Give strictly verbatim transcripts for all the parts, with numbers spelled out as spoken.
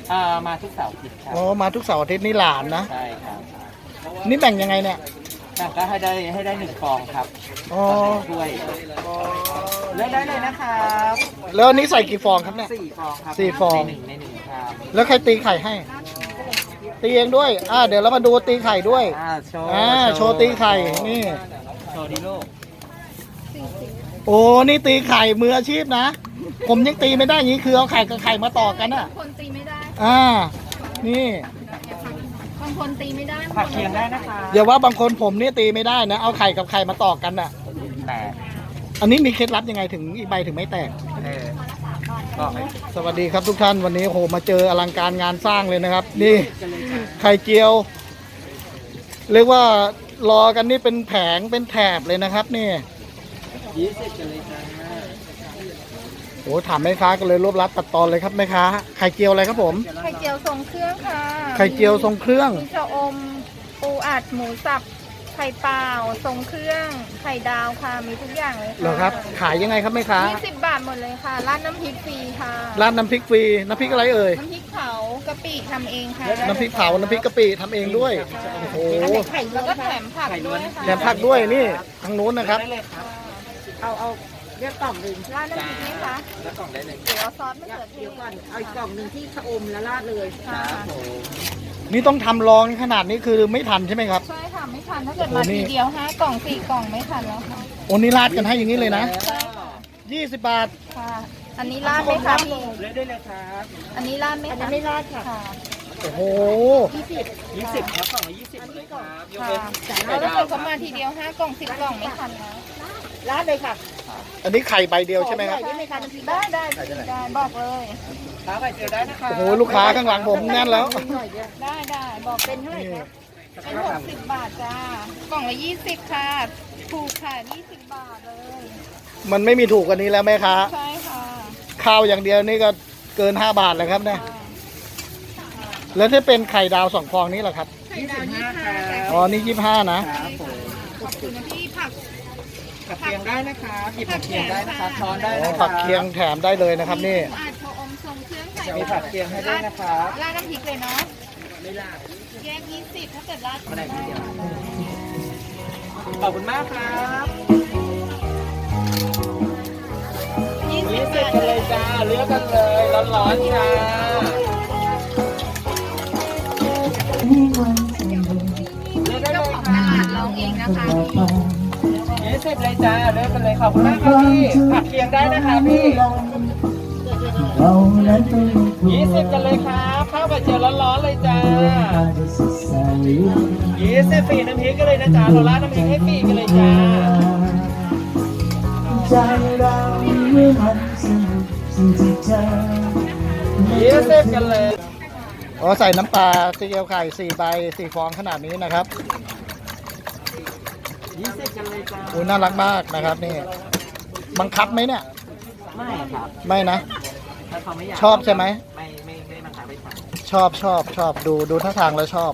อ่ามาทุกเสาร์อาทิตย์ครับอ๋อมาทุกเสาร์อาทิตย์นี่หลานนะใช่ครับนี่แบ่งยังไงเนี่ยแบ่งก็ให้ได้ให้ได้หนึ่งฟองครับอ๋อถ้วยเลือกได้เลยนะครับแล้วอันนี้ใส่กี่ฟองครับเนี่ยสี่ฟองครับสี่ฟองในหนึ่งในหนึ่งครับแล้วใครตีไข่ให้ตีเองด้วยอ่าเดี๋ยวเรามาดูตีไข่ด้วยอ่าโชว์อ่าโชว์ตีไข่นี่โชว์ดิลูกโอ้นี่ตีไข่มืออาชีพนะผมยังตีไม่ได้อย่างนี้คือเอาไข่กับไข่มาต่อกันอ่ะคนตีไม่ได้อ่านี่บางคนตีไม่ได้ผักเคียงได้นะคะอย่าว่าบางคนผมนี่ตีไม่ได้นะเอาไข่กับไข่มาต่อกันอ่ะแต่อันนี้มีเคล็ดลับยังไงถึงอีกใบถึงไม่แตกเออก็สวัสดีครับทุกท่านวันนี้โหมาเจออลังการงานสร้างเลยนะครับนี่ไข่เจียวเรียกว่ารอกันนี่เป็นแผงเป็นแถบเลยนะครับนี่ยี่สิบกันเลยจ้าโอ้ถามแม่ค้ากันเลยรวบรัดตัดตอนเลยครับแม่ค้าไข่เจียวอะไรครับผมไข่เจียวทรงเครื่องค่ะไข่เจียวทรงเครื่องมีชะอมปูอัดหมูสับไข่เปล่าทรงเครื่องไข่ดาวค่ะมีทุกอย่างเลยค่ะเหรอครับขายยังไงครับแม่ค้ายี่สิบบาทหมดเลยค่ะราดน้ำพริกฟรีค่ะราดน้ำพริกฟรีน้ำพริกอะไรเอ่ยน้ำพริกเผากะปิทำเองค่ะน้ำพริกเผาน้ำพริกกะปิทำเองด้วยโอ้โหไข่แล้วก็แถมผักด้วยค่ะแถมผักด้วยนี่ทางนู้นนะครับเอาเอาเรียกกล่องหนึ่งราดน้ำพริกไหมคะแล้วกล่องได้เลยเดี๋ยวเอาซอสมะเขือเทศเดี๋ยวก่อนเอาอีกกล่องหนึ่งที่ชะอมแล้วราดเลยค่ะนี่ต้องทำรองขนาดนี้คือไม่ทันใช่ไหมครับใช่ค่ะไม่ทันถ้าเกิดมาทีเดียวห้ากล่องสี่กล่องไม่ทันแล้วค่ะโอ้นี่ราดกันให้อย่างนี้เลยนะใช่ค่ะยี่สิบบาทค่ะอันนี้ราดไหมคะพี่เลือกได้เลยครับอันนี้ราดไหมคะอันนี้ไม่ราดค่ะโอ้โหยี่สิบยี่สิบครับกล่องละยี่สิบเลยครับยกเว้นแล้วถ้าเกิดเขามาทีเดียวห้ากล่องสิบกล่องไม่ทันนะราดเลยค่ะอันนี้ไข่ใบเดียวใช่ไหมครับได้ได้ได้บอกเลยค้าไข่เจียวได้นะคะโอ้โหลูกค้าข้างหลังผมแน่นแล้วได้ได้บอกเป็นเท่าไหร่ครับเป็นหกสิบบาทจ้ากล่องละยี่สิบค่ะถูกค่ะยี่สิบบาทเลยมันไม่มีถูกกว่านี้แล้วไหมคะใช่ค่ะข้าวอย่างเดียวนี่ก็เกินห้าบาทแล้วครับเนี่ยแล้วถ้าเป็นไข่ดาวสองฟองนี้แหละครับไข่ดาวยี่สิบห้าอ๋อนี่ยี่สิบห้านะขอบคุณนะพี่ผักผักเคียงได้นะครับหยิบผักเคียงได้นะครับช้อนได้นะผักเคียงแถมได้เลยนะครับนี่อาจจะอมทรงเครื่องใส่มีผักเคียงให้ด้วยนะครับราดน้ำพริกเลยเนาะไม่ราดแยกยี่สิบถ้าเกิดราดไม่ได้ทีเดียวขอบคุณมากครับยี่สิบกันเลยจ้าเลือกกันเลยร้อนๆจ้าเจ้าของตลาดร้องเองนะคะยี่สิบเลยจ้าเลือกกันเลยขอบคุณมากครับพี่ผักเคียงได้นะคะพี่ยี่สิบกันเลยครับข้าวไข่เจียวร้อนๆเลยจ้ายี่สิบฟรีน้ำพริกกันเลยนะจ๊ะโรล่าน้ำพริกให้ฟรีกันเลยจ้ายี่สิบกันเลยอ๋อใส่น้ำปลาซีอิ๊วไข่สี่ใบสี่ฟองขนาดนี้นะครับยี่สิบกันเลยจ้าโอ้น่ารักมากนะครับนี่บังคับไหมเนี่ยไม่ครับไม่นะถ้าเขาไม่อยากชอบใช่ไหมไม่ไม่ไม่บังคับไปสั่งชอบชอบชอบดูดูท่าทางแล้วชอบ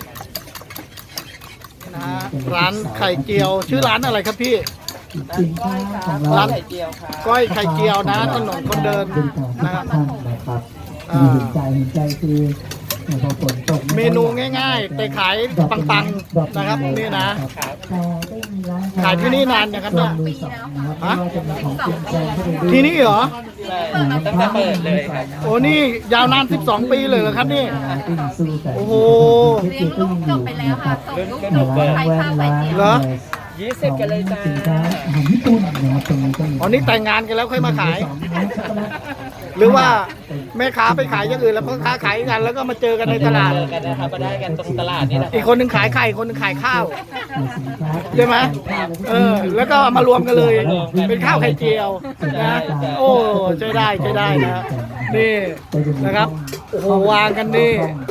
นะฮะร้านไข่เจียวชื่อร้านอะไรครับพี่ร้านไข่เจียวครับก้อยไข่เจียวนะถนนคนเดินนะครับมีเห็นใจเห็นใจคือพอฝนตกเมนูง่ายๆแต่ขายปังๆนะครับนี่นะขายที่นี่นานนะครับเนี่ยฮะที่นี่เหรอตั้งแต่เปิดเลยครับโอ้นี่ยาวนานสิบสองปีเลยเหรอครับนี่โอ้โหเลี้ยงลูกจบไปแล้วค่ะส่งลูกจบใครข้าวไข่เจียวเหรอยี่สิบกันเลยจ้าญี่ปุ่นนะครับตรงนี้ก็มีอ๋อนี่แต่งงานกันแล้วค่อยมาขายหรือว่าแม่ค้าไปขายอย่างอื่นแล้วพ่อค้าขายกันแล้วก็มาเจอกันในตลาดกันนะครับมาได้กันตรงตลาดนี่แหละอีกคนหนึ่งขายไข่คนหนึ่งขายข้าวใช่ไหมเออแล้วก็มารวมกันเลยเป็นข้าวไข่เจียวนะโอ้ใช้ได้ใช้ได้นะนี่นะครับโอ้โหวางกันนี่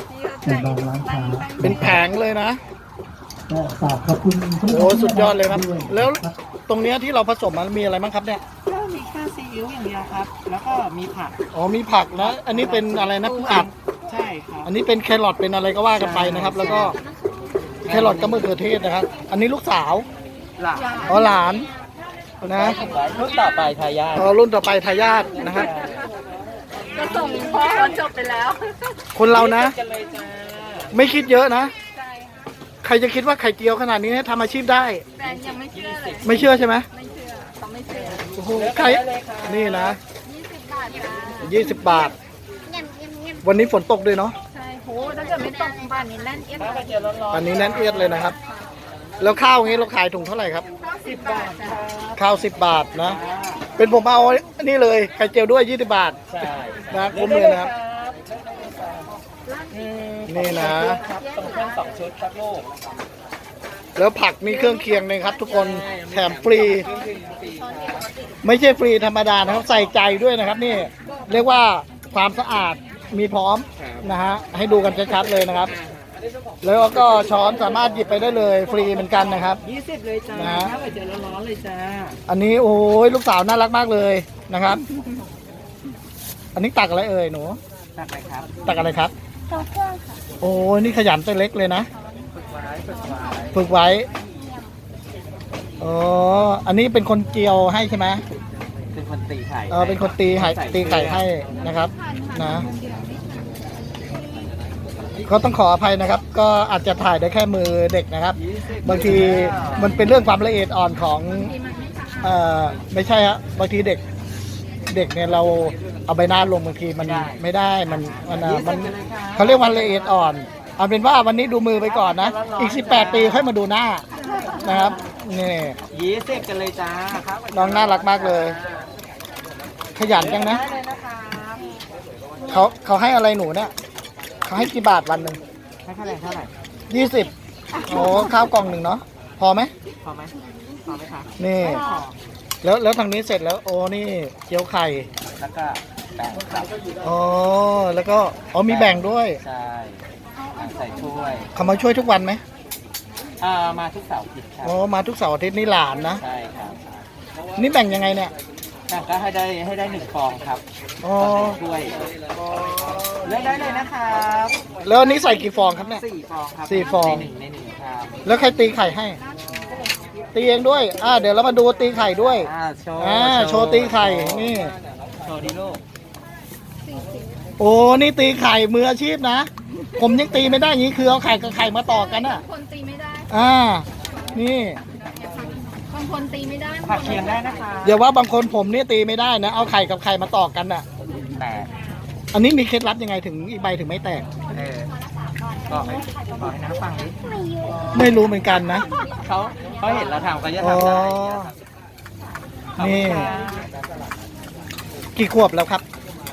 เป็นแผงเลยนะฝากขอบคุณโอ้สุดยอดเลยครับแล้วตรงเนี้ยที่เราผสมมันมีอะไรบ้างครับเนี่ยก็มีแค่ซีอิ๊วอย่างเดียวครับแล้วก็มีผักอ๋อมีผักนะอันนี้เป็นอะไรนะปูอัดใช่ครับอันนี้เป็นแครอทเป็นอะไรก็ว่ากันไปนะครับแล้วก็แครอทกับมะเขือเทศนะครับอันนี้ลูกสาวหลานอ๋อหลานนะรุ่นต่อไปทายาทอ๋อรุ่นต่อไปทายาทนะครับส่งพ่อจบไปแล้วคนเรานะกันเลยจ้าไม่คิดเยอะนะใช่ค่ะใครจะคิดว่าไข่เจียวขนาดนี้ทำอาชีพได้แฟนยังไม่เชื่อเลยไม่เชื่อใช่ไหมไม่เชื่อเขาไม่เชื่อโอ้โหไข่นี่นะยี่สิบบาทจ้ายี่สิบบาท วันนี้ฝนตกด้วยเนาะใช่โหถ้าเกิดไม่ตกบ้านนี้แน่นเอียดข้าวไข่เจียวร้อนอันนี้แน่นเอียดเลยนะครับ แล้วข้าวงี้เราขายถุงเท่าไหร่ครับสิบบาทจ้าข้าวสิบบาทนะ เป็นผมเอาอันนี้เลยไข่เจียวด้วยยี่สิบบาทๆใช่นะคุ้มเลยนะครับอืมนี่นะครับตรงเครื่องสองชุดครับลูกแล้วผักมีเครื่องเคียงเลยครับ ทุกคนแถมฟรีเครื่องดื่มฟรีครับไม่ใช่ฟรีธรรมดานะครับใส่ใจด้วยนะครับนี่เรียกว่าความสะอาดมีพร้อมนะฮะให้ดูกันชัดๆเลยนะครับ แล้วก็ช้อนสามารถหยิบไปได้เลยฟรีเหมือนกันนะครับยี่สิบเลยจ้านะข้าวไข่เจียวร้อนๆเลยจ้าอันนี้โอ้ยลูกสาวน่ารักมากเลยนะครับ อันนี้ตักอะไรเอ่ยหนูตักไปครับตักอะไรครับโอ้ยนี่ขยันตัวเล็กเลยนะฝึกไว้ฝึกไว้ฝึกไว้อ๋ออันนี้เป็นคนเจียวให้ใช่ไหมเป็นคนตีไข่เออเป็นคนตีไข่ตีไข่ให้นะครับนะก็ต้องขออภัยนะครับ ก็อาจจะถ่ายได้แค่มือเด็กนะครับ บางทีมันเป็นเรื่องความละเอียดอ่อนของเอ่อไม่ใช่ฮะบางทีเด็กเด็กเนี่ยเราเอาใบหน้าลงบางทีมันไม่ได้มันมันอ่ะมันเขาเรียกว่าละเอียดอ่อนเอาเป็นว่าวันนี้ดูมือไปก่อนนะอีกสิบแปดปีค่อยมาดูหน้านะครับนี่ยี่สิบกันเลยจ้าครับน้องน่ารักมากเลย ขยันจังนะได้เลยนะครับเขาเขาให้อะไรหนูเนี่ยเขาให้กี่บาทวันหนึ่งให้เท่าไหร่เท่าไหร่ยี่สิบโอ้ข้าวกล่องหนึ่งเนาะพอไหมพอไหมพอไหมคะนี่ แล้วแล้วทางนี้เสร็จแล้วโอ้นี่เกี๊ยวไข่แล้วก็แบ่งครับอ๋อแล้วก็อ๋อมีแบ่งด้วยใช่ใส่ถ้วยเขามาช่วยทุกวันไหมอ่ามาทุกเสาร์อาทิตย์ครับอ๋อมาทุกเสาร์อาทิตย์นี่หลานนะใช่ครับนี่แบ่งยังไงเนี่ยแบ่งก็ให้ได้ให้ได้หนึ่งฟองครับอ๋อถ้วยเลือกได้เลยนะครับแล้วอันนี้ใส่กี่ฟองครับเนี่ยสี่ฟองครับสี่ฟองในหนึ่งในหนึ่งครับแล้วใครตีไข่ให้ ตีเองด้วยอ่าเดี๋ยวเรามาดูตีไข่ด้วยอ่าโชว์อ่าโชว์ตีไข่นี่โชว์ดิลูกโอ้นี่ตีไข่มืออาชีพนะ ผมยังตีไม่ได้อย่างนี้คือเอาไข่กับไข่มาต่อกันอ่ะคนตีไม่ได้อ่า นี่บางคนตีไม่ได้ผักเคียงได้นะคะเดี๋ยวว่าบางคนผมนี่ตีไม่ได้นะ เอาไข่กับไข่มาต่อกันอ่ะแต่อันนี้มีเคล็ดลับยังไงถึงอีกใบถึงไม่แตกเออบอกให้บอกให้น้าฟังดิไม่รู้เหมือนกันนะเขาเขาเห็นเราทำเขาจะทำได้อ๋อ นี่ กี่ขวบแล้วครับ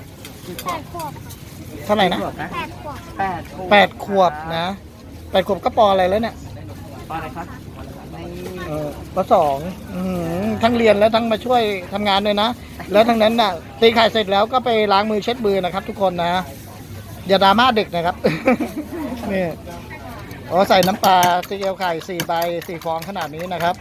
เท่าไหร่นะแปดขวบแปดขวบแปดขวบนะแปดขวบก็ปออะไรแล้วเนี่ยปออะไรครับนี่เออปสองอื้อหือทั้งเรียนแล้วทั้งมาช่วยทำงานด้วยนะ แล้วทั้งนั้นน่ะตีไข่เสร็จแล้วก็ไปล้างมือเช็ดมือนะครับ ทุกคนนะ อย่าดราม่าเด็กนะครับ นี่อ๋อใส่น้ำปลาตีเกี๊ยวไข่สี่ใบสี่ฟองขนาดนี้นะครับ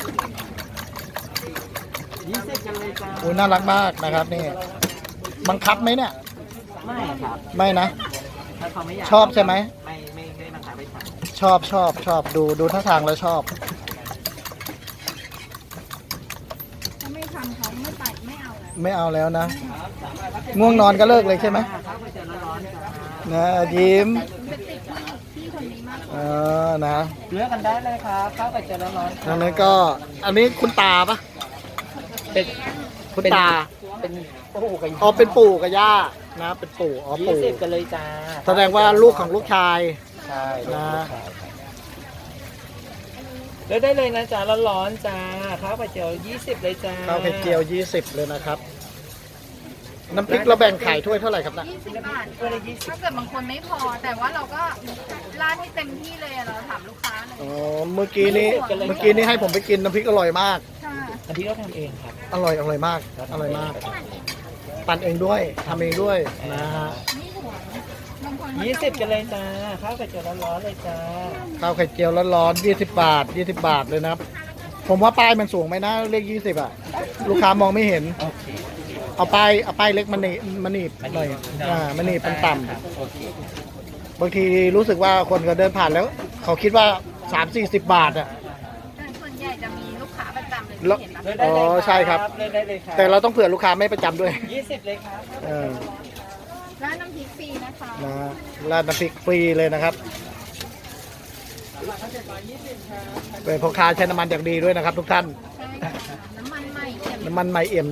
ยี่สิบกันเลยจ้าโอ้ยน่ารักมากนะครับนี่บังคับไหมเนี่ยไม่ครับไม่นะถ้าเขาไม่อยากชอบใช่ไหไหมไม่ไม่ไม่บังคับไปทำชอบชอบชอบดูดูท่าทางแล้วชอบถ้าไม่ทำเขาไม่ไปไม่เอาแล้วไม่เอาแล้วนะ ง่วงนอนก็เลิกเลยใช่ไหมข้าวไปเจอร้อนๆจ้านะยิ้มเป็นติดที่พี่คนนี้มากเออนะเลือกกันได้เลยครับข้าวไปเจอร้อนๆทางนั้นก็อันนี้คุณตาปะเป็นคุณตาเป็นปู่กับอ๋อเป็นปู่กับย่านะเป็นปู่อ๋อยี่ปู่สิบกันเลยจ้าแสดงว่าลูกของลูกชายใช่นะเลือกได้เลยนะจ้าร้อนๆจ้าข้าวไปเจอยี่สิบเลยจ้าข้าวไข่เจียวยี่สิบเลยนะครับ น้ำพริกเราแบ่งขายถ้วยเท่าไหร่ครับนะยี่สิบบาทถ้าเกิดบางคนไม่พอ แต่ว่าเราก็ราดให้เต็มที่เลยอะเราถามลูกค้าเลยอ๋อเมื่อกี้นี้เมื่อกี้นี้ให้ผมไปกินน้ำพริกอร่อยมากค่ะอันที่เราทำเองครับอร่อยอร่อยมากอร่อยมาก ปั่นเองด้วยทำเองด้วยนะฮะนี่หัวบางคนยี่สิบกันเลยจ้าข้าวไปเจอร้อนๆเลยจ้าข้าวไข่เจียวร้อนๆยี่สิบบาทยี่สิบบาทเลยนะครับ ผมว่าป้ายมันสูงไหมนะเลขยี่สิบอ่ะ ลูกค้ามองไม่เห็นโอเคเอาป้ายเอาป้ายเล็กมันหนีมันหนีบหน่อยอ่ามันหนีบมันต่ครับโอเคำบางทีรู้สึกว่าคนก็เดินผ่านแล้ว เขาคิดว่าสามสี่สิบบาทอ่ะแต่ส่วนใหญ่จะมีลูกค้าประจำเลยแล้วที่เห็นนะเลือกได้เลยอ๋อใช่ครับเลือกได้เลยครับแต่เราต้องเผื่อลูกค้าไม่ประจำด้วยยี่สิบเลยครับเออร้านน้ำพริกฟรีนะคะนะราดน้ำพริกฟรีเลยนะครับเป็นพ่อค้าใช้น้ำมันอย่างดีด้วยนะครับ ทุกท่านใช่ค่ะน้ำมันใหม่เค็มน้ำมันไมเอ็ม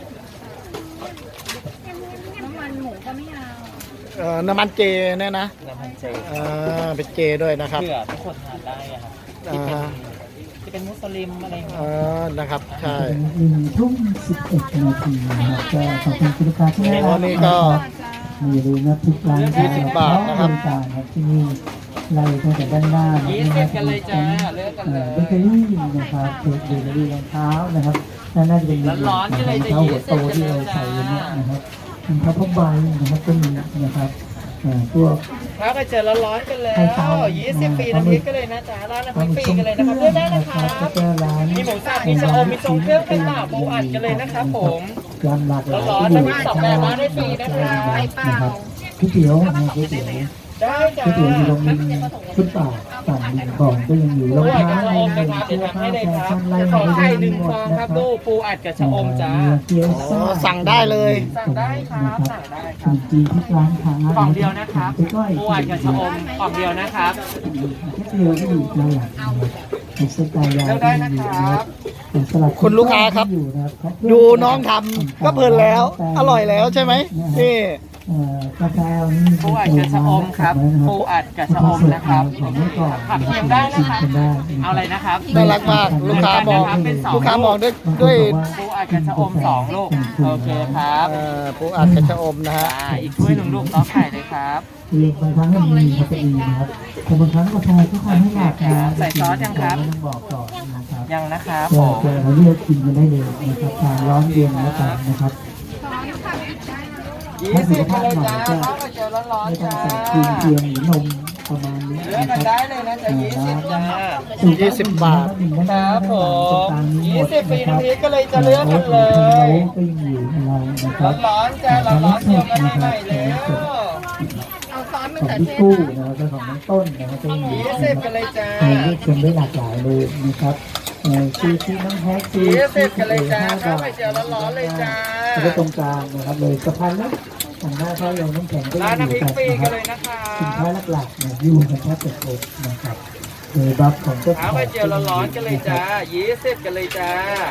น้ำมันหมูก็ไม่เอาเอ่อน้ำมันเจเนี่ยนะน้ำมันเจอ่าเป็นเจด้วยนะครับเพื่อทุกคนทานได้อะครับอ่าฮะที่เป็นมุสลิมอะไรอย่างเงี้ยเออนะครับใช่หนึ่งทุ่มสิบเอ็ดนาทีนะครับก็ขอบคุณคุณลูกค้าที่ได้โอ้นี่ก็มีอย่าลืมนะทุกร้านยี่สิบบาทนะครับบริการครับที่นี่ไล่ตั้งแต่ด้านหน้านะยี่คสิรับบ กันเลยจ้าเลือกกันเลยเบเกอรี่นะครับเค้กเบเกอรี่รองเท้านะครับด้านหน้าจะเป็นร้อนๆกันเลยจะรองเท้าหัวโตยี่สิบที่เราใส่อยู่เนี่ยนะครับรองเท้าผ้าใบนะครับก็มีนะครับเอ่อพวกถ้าไปเจอร้อนๆกันแล้วยี่สิบปีน้ำพริกกันเลยนะจ๊ะร้านน้ำพริกฟรีกันเลยนะครับเลือกได้นะครับแล้วก็ร้านมีหมูสับมีชะอมมีทรงเครื่องเป็นหลาบปูอัดกันเลยนะครับผมร้านหลากหลายร้อนๆน้ำพริกสองแบบมาได้ฟรีนะครับไปเปล่าก๋วยเตี๋ยวนะก๋วยเตี๋ยวได้จ้าก๋วยเตี๋ยวอยู่ตรงริมฟุตบาทฝั่งริมก่อนก็ยังอยู่รองปูอัดเท้ากับชะอมนะครับเสื้เดี๋ยวอทำผ้าให้เลยแฟครับชั่นไล่ขอมาไข่ได้หนึ่งหมฟดองนะคครัรับบ ดูปูอัดกับชะอมจ้าเกี๊ยวอ๋ซ่าอสั่งได้เลยสั่งได้ครับสั่งได้คขรันบมจีนที่ร้านค้ากล่องเดียวนะครับไปก้อยปูอัดกับชะอมกล่องเดียวนะครับแค่เดียวก็อยู่ด้านหลังเป็นสไตล์ยาวเลือกได้นะครับเป็นสลัดคุณลูกค้าครับอยู่นะครับดูน้องทำก็เพลินแล้ว อร่อยแล้วใช่ไหมนี่เอ่อกาแฟนี่มีปูอัดกับชะอมครับปูอัดกับชะอมนะครับของเมื่อก่อนผักเคียงได้นะครับกินได้เอาอะไรนะครับน่ารักมากลูกค้ามองเป็นสองลูกค้ามองด้วยด้วยปูอัดกับชะอมสองลูกโอเคครับเอ่อปูอัดกระชะอมนะฮะอ่าอีกถ้วยหนึ่งลูกล้อไข่เลยครับคือบางครั้งมันมีคาเฟอีนนะครับแต่บางครั้งกาแฟก็ทำให้หลับนะใส่ซอสยังครับไม่ต้องบอกก่อนนะครับยังนะครับผก็มจะเราเลือกกินกันได้เลยนะครับทานร้อนเย็นแล้วกันนะครับช้อนค่ะหยิบได้นะยี่สิบกันเลยจ้าข้าวเจียวร้อนไม่ๆต้องจ้าใส่ครีมเทียมหรือนมประมาณนี้เลือกนะกันครัได้บเลยนะจ๊ะยี่สิบจ้ายี่สิบบาทครับผมยี่ยี่สิสิบบปีปีน้ำพริกก็เลยจะจะเลืเลืออก กกักัน นเลเลยยก็ยังอยู่ในเรานะครับร้อนๆจ้าร้อนๆเจียวกันให้ใหม่เลยเอาซอสมะของเขือพี่เทศกู้นะนะครับและของน้องต้นนะครับก็ยังอยู่ยี่นะสิบคกัรันบเลยจ้าเราเลือกชมได้หลากหลายเลยนะครับเอ่อซีซีน้ำแพ็กซียี่สิซีบกันเลยจ้าห้าข้าวบาไข่ทเจียวร้อนๆเลยจ้าแล้วก็ตรงกลางนะครับเลยสะพานแล้วทางหน้าข้าวลงน้ำแข็งก็ร้ายันงอยู่น้ำพริกกันฟรีนะคกัรันบเลยนะครับสินค้าหลักๆเนี่ยอยู่กันแทบจะครบนะครับโดยบัฟของเจ้าขข้าอวงไข่เจียวร้อนๆกันเลยจ้ายี่สิบกันเลยจ้า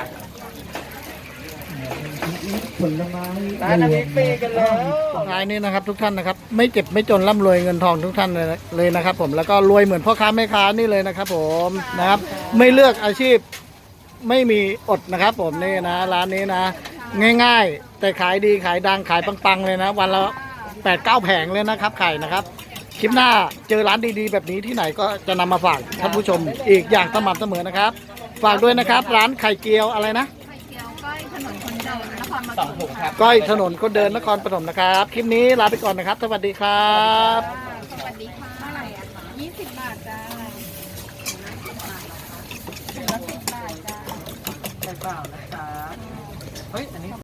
ผลไม้ร้านน้ำพริกฟรีกันแล้วท้ายนี้นะครับทุกท่านนะครับ ไม่เจ็บไม่จนร่ำรวยเงินทองทุกท่านเลยนะเลยนะครับ ผมแล้วก็รวยเหมือนพ่อค้าแม่ค้านี่เลยนะครับ ผมนะครับ ไม่เลือกอาชีพไม่มีอดนะครับ ผมนี่นะร้านนี้นะ ง่ายๆ แต่ขายดีขายดังขายปังๆเลยนะ วันละแปดเก้าแผงเลยนะครับไข่นะครับคลิปหน้าเจอร้านดีๆ แบบนี้ที่ไหนก็จะนำมาฝากท่านผู้ชมอีกอย่างสม่ำเสมอนะครับ ฝากด้วยนะครับ ร้านไข่เจียวอะไรนะไข่เจียวก้อยถนนคนเดินนครปสฐองมถุงครับก้อยถนนคนเดินนครปฐมนะครับ คลิปนี้ลาไปก่อนนะครับ สวัสดีครับสวัสดีค่ะยี่สิบบาทจ้าถุงละสิบบาทจ้าใช่เปล่านะครับเฮ้ยอันนี้